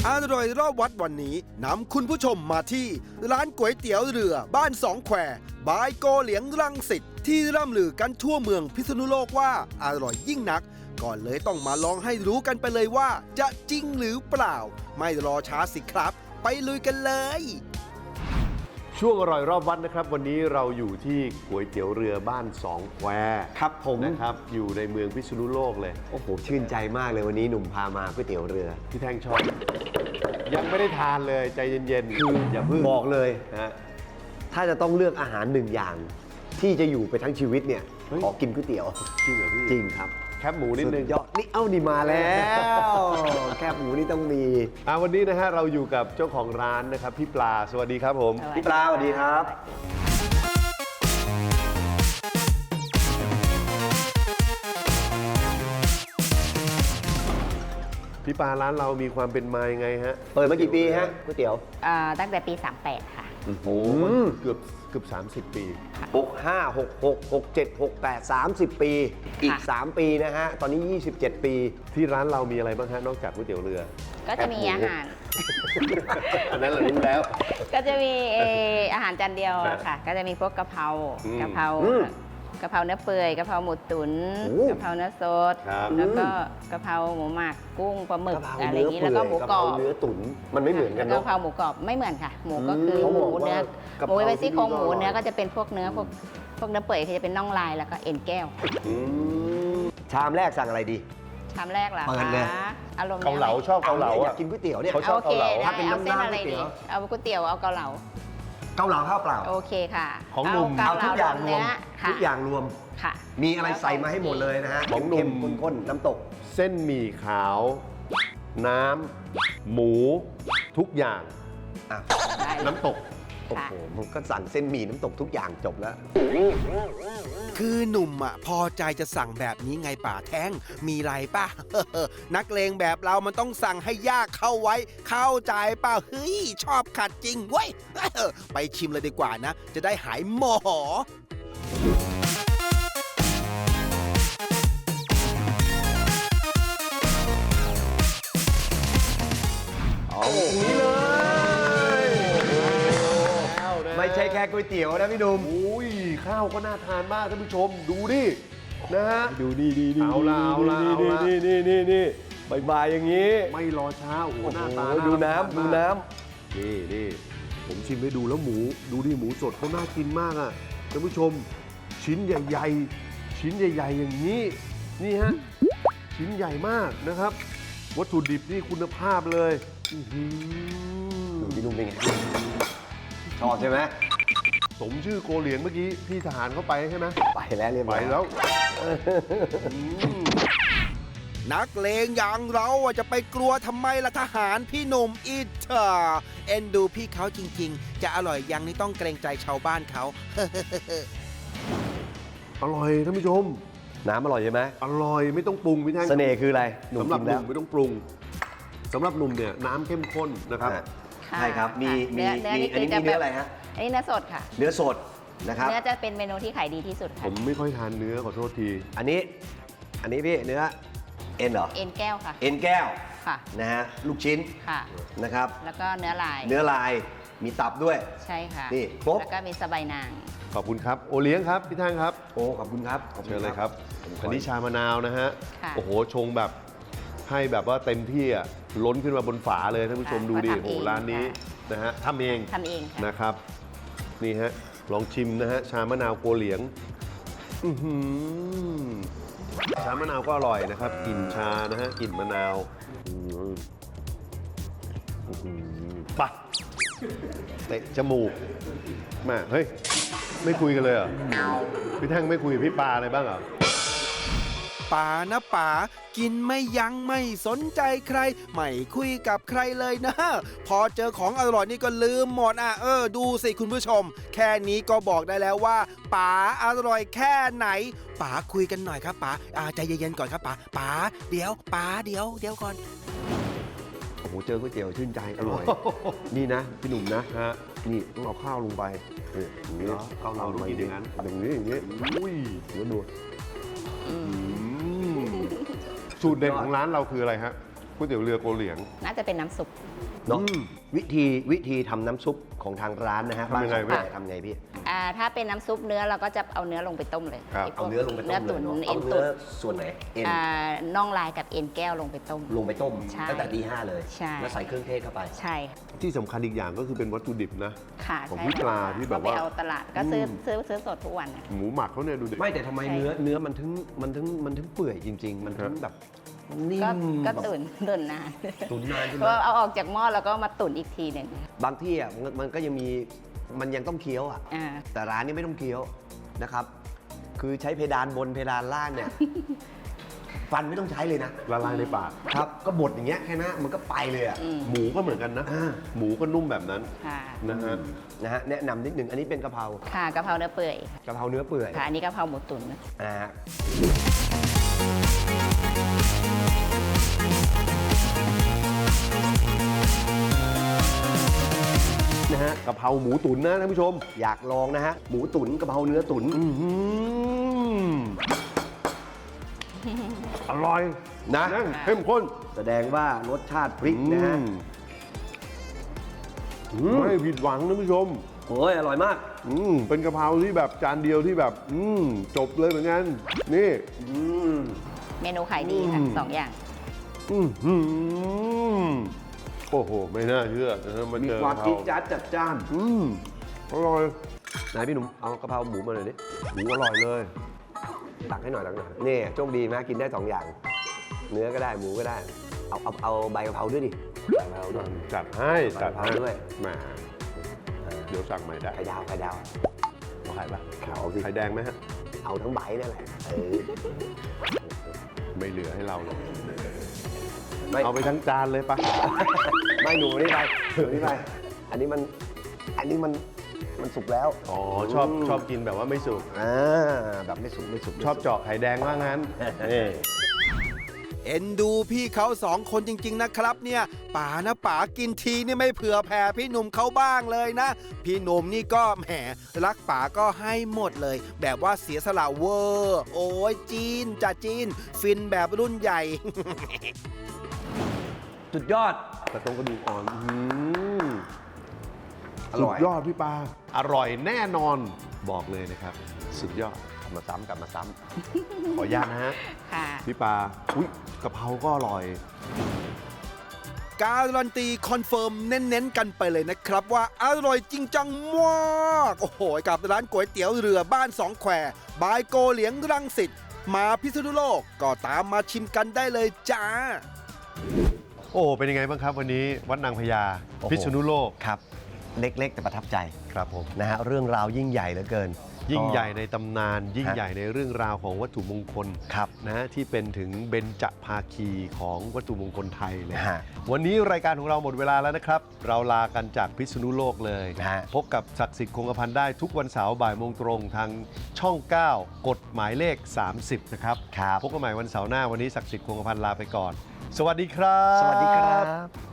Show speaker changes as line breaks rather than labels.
อร่อยรอบวัดวันนี้นำคุณผู้ชมมาที่ร้านก๋วยเตี๋ยวเรือบ้านสองแควบายโกเหลียงรังสิตที่ร่ำลือกันทั่วเมืองพิษณุโลกว่าอร่อยยิ่งนักก่อนเลยต้องมาลองให้รู้กันไปเลยว่าจะจริงหรือเปล่าไม่รอช้าสิครับไปลุยกันเลย
ช่วงอร่อยรอบวัดนะครับวันนี้เราอยู่ที่ก๋วยเตี๋ยวเรือบ้านสองแคว
ครับผม
นะครับอยู่ในเมืองพิษณุโลกเลย
โอ้โหชื่นใจมากเลยวันนี้หนุ่มพามาก๋วยเตี๋ยวเรือ
พี่แท่งชอบยังไม่ได้ทานเลยใจเย็นๆคืออย่าเพิ่ง
บอกเลย
นะ
ถ้าจะต้องเลือกอาหารหนึ่งอย่าง ที่จะอยู่ไปทั้งชีวิตเนี่ยขอกินก๋วยเตี๋ยว
จริงเหรอพี่
จริงครับ
แคบหมูนิดนึง
ยอดนี่นี่มาแล้ว แคบหมูนี่ต้องมี
วันนี้นะฮะเราอยู่กับเจ้าของร้านนะครับพี่ปลาสวัสดีครับผม
พี่ปลาสวัสดีครับ
พี่ปลาร้านเรามีความเป็นมายังไงฮะ
เปิดมากี่ปีฮะก๋วยเตี๋ยว
ตั้งแต่ปี 38 ค่ะ
โอ้โหเกือบ30 ปี
65 66 67 68 30 ปีอีก3ปีนะฮะตอนนี้27 ปี
ที่ร้านเรามีอะไรบ้างฮะนอกจากก๋วยเตี๋ยวเรือ
ก็จะมีอาหาร
อันนั้นเรารู้แล้ว
ก็จะมีอาหารจานเดียวค่ะก็จะมีพวกกะเพรากะเพราเนื้อเปื่อยกะเพราหมูตุ๋นกะเพราเนื้อสดแล้วก็กะเพราหมูหมักกุ้งปลาหมึกอะไรอย่างนี้แล้วก็หมูกรอบ
เนื้อตุ๋นมันไม่เหมือนกันเนาะ
กะเพราหมูกรอบไม่เหมือนค่ะหมูก็คือหมูเนื้อหมูเป็นซี่โครงหมูเนื้อก็จะเป็นพวกเนื้อพวกเนื้อเปื่อยก็จะเป็นน่องลายแล้วก็เอ็นแก้ว
ชามแรกสั่งอะไรดี
ชามแรกเหรอคะอารมณ์
เกาเหลาชอบเกาเหลา
อยากกินก๋วยเตี๋ยวเนี่ย
เขาชอบเกาเหลา
ถ้าเป็นน้ำน้ำอะไรดีเอาก๋วยเตี๋ยวเอาเกาเหลา
ข้าวเปล่า
โอเคค่ะ
ของหนุ่ม
เอาทุกอย่างรวมทุกอย่างรวม
ค่ะ
มีอะไรใส่มาให้หมดเลยนะฮะ
ของหนุ่ม
ข้นน้ำตก
เส้นหมี่ขาวน้ำหมูทุกอย่างน้ำตก
โอ้โหมันก็สั่งเส้นหมี่น้ำตกทุกอย่างจบแล้ว
คือหนุ่มพอใจจะสั่งแบบนี้ไงป่าแท้งมีไรป่ะ นักเลงแบบเรามันต้องสั่งให้ยากเข้าไว้เข้าใจป่ะเฮ้ยชอบขัดจริงเว้ย ไปชิมเลยดีกว่านะจะได้หายหมอ
นี่เลย
ไม่ใช่แค่ก๋วยเตี๋ยวนะพี่ดุม
อุ้ยข้าวก็น่าทานมากท่านผู้ชมดูดินะฮะ
ดูนี่
เอาละนี่
บ่ายอย่างนี้
ไม่รอช้าโอ้โหหน้าตา
ดูน้ำ
นี่ผมชิมให้ดูแล้วหมูดูดิหมูสดเขาน่ากินมากอ่ะท่านผู้ชมชิ้นใหญ่อย่างนี้นี่ฮะชิ้นใหญ่มากนะครับวัตถุดิบนี่คุณภาพเลย
ดูพี่นุ่มเป็นไงชอบใช่ไหม
สมชื่อโกเหลียงเมื่อกี้พี่ทหารเข้าไปใช่ไหม
ไปแล้วเรียบร้อย
แล้ว
นักเลงอย่างเราจะไปกลัวทำไมล่ะทหารพี่หนุ่มอิจฉาเอ็นดูพี่เขาจริงๆจะอร่อยยังนี่ต้องเกรงใจชาวบ้านเขา
อร่อยท่านผู้ชม
น้ำอร่อยใช่ไหม
อร่อยไม่ต้องปรุงพี่แท่ง
เสน่ห์คืออะไร
สำหรับหนุ่มไม่ต้องปรุงสำหรับหนุ่มเนี่ยน้ำเข้มข้นนะครับ
ใช่ครับมีอันนี้มีเนื้ออะไรฮะ
อันนี้เนื้อสดค่ะ
เนื้อสดนะครับ
เนื้อจะเป็นเมนูที่ขายดีที่สุดค่ะ
ผมไม่ค่อยทานเนื้อขอโทษที
อันนี้พี่เนื้อเอ็นเหรอ
เอ็นแก้วค่ะ
เอ็นแก้ว
ค่ะ
นะฮะลูกชิ้น
ค่ะ
นะครับ
แล้วก็เนื้อลใช่ค่ะ
นี่ครบ
แล้วก็มีสะใบนาง
ขอบคุณครับโอเลี้ยงครับพี่ท่านครับ
โอ้ขอบคุณครับ
เชิญเลยครับอันนี้ชามะนาวนะฮะโอ้โหชงแบบให้แบบว่าเต็มที่อ่ะล้นขึ้นมาบนฝาเลยท่านผู้ชมดูดิโอ้ร้านนี้นะฮะทำเองนะครับนี่ฮะลองชิมนะฮะชามะนาวโกเหลียงชามะนาวก็อร่อยนะครับกลิ่นชานะฮะกลิ่นมะนาวปะเตะจมูกมาเฮ้ยไม่คุยกันเลยเหรอพี่แท่งไม่คุยกับพี่ปลาอะไรบ้างเหรอ
ป๋านะป๋ากินไม่ยั้งไม่สนใจใครไม่คุยกับใครเลยนะพอเจอของอร่อยนี่ก็ลืมหมดดูสิคุณผู้ชมแค่นี้ก็บอกได้แล้วว่าป๋าอร่อยแค่ไหนป๋าคุยกันหน่อยครับป๋าใจเย็นๆก่อนครับป๋าเดี๋ยวป๋าเดี๋ยวก่อน
โอ้โหเจอก๋วยเตี๋ยวชื่นใจอร่อยนี่นะพี่หนุ่มนะนี่ต้องเอาข้าวลงไป
นี่ข้าวเราต้องกินอย่างนั้น
อย่างนี้
อุ้ย
เดี๋ยวดู
สูตรเด็ดของร้านเราคืออะไรฮะก๋วยเตี๋ยวเรือโกเหลียง
น่าจะเป็นน้ำซุป
เนาะวิธีทำน้ำซุปของทางร้านนะฮะ
ทำยังไง
บ้าน
พี่
ทำไงพี่
ถ้าเป็นน้ำซุปเนื้อเราก็จะเอาเนื้อลงไปต้มเลย
ครับ
ไพวก
เอาเนื้อลงไปต้ม
เนื้อตุ๋น
เลยเนาะ
เอ็
เอา
น
เนื้
ตุ๋
อน ส่วนไหนเอ็น
น่องลายกับเอ็นแก้วลงไปต้ม
ลงไปต้ม
ใช่
ตั้งแต่ตี 5เลย
ใช่
แล้วใส่เครื่องเทศเข้าไป
ใช่ค่ะ
ที่สำคัญอีกอย่างก็คือเป็นวัตถุดิบนะ
ค่ะ
ของ
ใช่
พี่ปลาที่แบบ
ก็ไป
ว่า
เอาตลาดก็ซื้อสดทุกวันนะ
หมูหมักเขาเนี่ยดูดิ
ไม่แต่ทำไม
ใช่
เนื้อมันถึงเปื่อยจริง ๆ มันถึงแบบนิ่ม
ก็
แบบ
ตุ๋นนาน
ตุ๋นนานใช่ไห
เพ
ม
ราะเอาออกจากหม้อแล้วก็มาตุ๋นอีกทีหนึ่ง
บางที่อ่ะมันก็ยังมีมันยังต้องเคี้ยวอ่ะ
อ่า
แต่ร้านนี้ไม่ต้องเคี้ยวนะครับ คือใช้เพดานบนเพดานล่างเนี่ย ฟันไม่ต้องใช้เลยนะ
ละลายในปาก
ครับ ก็บดอย่างเงี้ยแค่นั้นมันก็ไปเลยอ่ะ
หมูก็เหมือนกันนะ
อ่า
หมูก็นุ่มแบบนั้น
ค่ะ
นะฮะ
นะฮะแนะนำนิดหนึ่งอันนี้เป็นกะเพรา
ค่ะกะเพราเนื้อเปื่อย
กะเพราเนื้อเปื่อย
ค่ะอันนี้กะเพราหมูตุ๋น
นะฮะนะฮะ
กะเพราหมูตุ๋นนะท่านผู้ชม
อยากลองนะฮะ หมูตุ๋นกะเพราเนื้อตุ๋น
อร่อย
นะ
นั่งเข้มข้น
แสดงว่ารสชาติพริกนะฮะ
ไม่ผิดหวังท่านผู้ชม
โอ้ยอร่อยมาก
เป็นกะเพราที่แบบจานเดียวที่แบบ จบเลยเหมือนกัน นี่
เมนูขายดีค่ะสองอย่าง
อื้อหือโอ้โห ไม่น่าเชื่อนะฮะมา
มี
เจอ
ความ
กะเพ
จิ๊
รา
ดจ๊าดจัดจ้าน
อร่อย
ไหนพี่หนุ่มเอากะเพราหมูมาหน่อยดิ
หมูอร่อยเลย
ตักให้หน่อยนี่โชคดีนะกินได้ 2 อย่าง เนื้อก็ได้หมูก็ได้ เอาใบกะเพราด้วยดิใบกะเพราด้วย
จัดให้จัดให้
กะเพราด้วย
แหมเดี๋ยวสั่งใหม่ได้
ไข่ดาว
เอาไข่ปะ
เอาสิ
ไข่แดงไหมฮะ
เอาทั้งใบนั่นแหละ
ไม่เหลือให้เราเลย
ไม่
เอาไปทั้งจานเลยปะ
ไม่หนูนี่ไปอันนี้มันสุกแล้ว
อ๋อชอบกินแบบว่าไม่สุก
แบบไม่สุก
ชอบเจาะไข่แดงว่างั้นนี่
เอ็นดูพี่เขาสองคนจริง ๆ นะครับเนี่ยป๋านะป๋ากินทีนี่ไม่เผื่อแผ่พี่หนุ่มเขาบ้างเลยนะ พี่หนุ่มนี่ก็แหมรักป๋าก็ให้หมดเลย แบบว่าเสียสละเวอร์โอ้ยจีนจ่าจีน ฟินแบบรุ่นใหญ่
สุดยอด
กระตรงกระดูกอ่อน
อร่อย
สุดยอดพี่ปาอร่อยแน่นอนบอกเลยนะครับ สุดยอด
กลับมาซ้ำ
ขออนุญาตนะฮะ
ค่ะ
พี่ปาอุ๊ยกะเพราก็อร่อย
การันตีคอนเฟิร์มเน้นๆกันไปเลยนะครับว่าอร่อยจริงจังมาก โอ้โห กับร้านก๋วยเตี๋ยวเรือบ้านสองแควบายโกเหลียงรังสิตมาพิษณุโลกก็ตามมาชิมกันได้เลยจ้า
โอ้เป็นยังไงบ้างครับวันนี้วัดนางพญา
โอ้โห
พิษณุโลก
ครับ เล็กๆ แต่ประทับใจ
ครับผม
นะฮะเรื่องราวยิ่งใหญ่เหลือเกิน
ยิ่งใหญ่ในตำนาน ยิ่ง
ฮะ
ใหญ่ในเรื่องราวของวัตถุมงคล
ครับ
นะฮะที่เป็นถึงเบญจภาคีของวัตถุมงคลไทยเลย
ฮะ
วันนี้รายการของเราหมดเวลาแล้วนะครับ เราลากันจากพิษณุโลกเลย
ฮะ
พบกับศักดิ์สิทธิ์คงกระพันได้ทุกวันเสาร์บ่ายโมงตรงทางช่อง 9 กฎหมายเลข 30 นะครับ
ครับ
พบกันใหม่วันเสาร์หน้าวันนี้ศักดิ์สิทธิ์คงกระพันลาไปก่อน สวัสดีครับ
สวัสดีครับ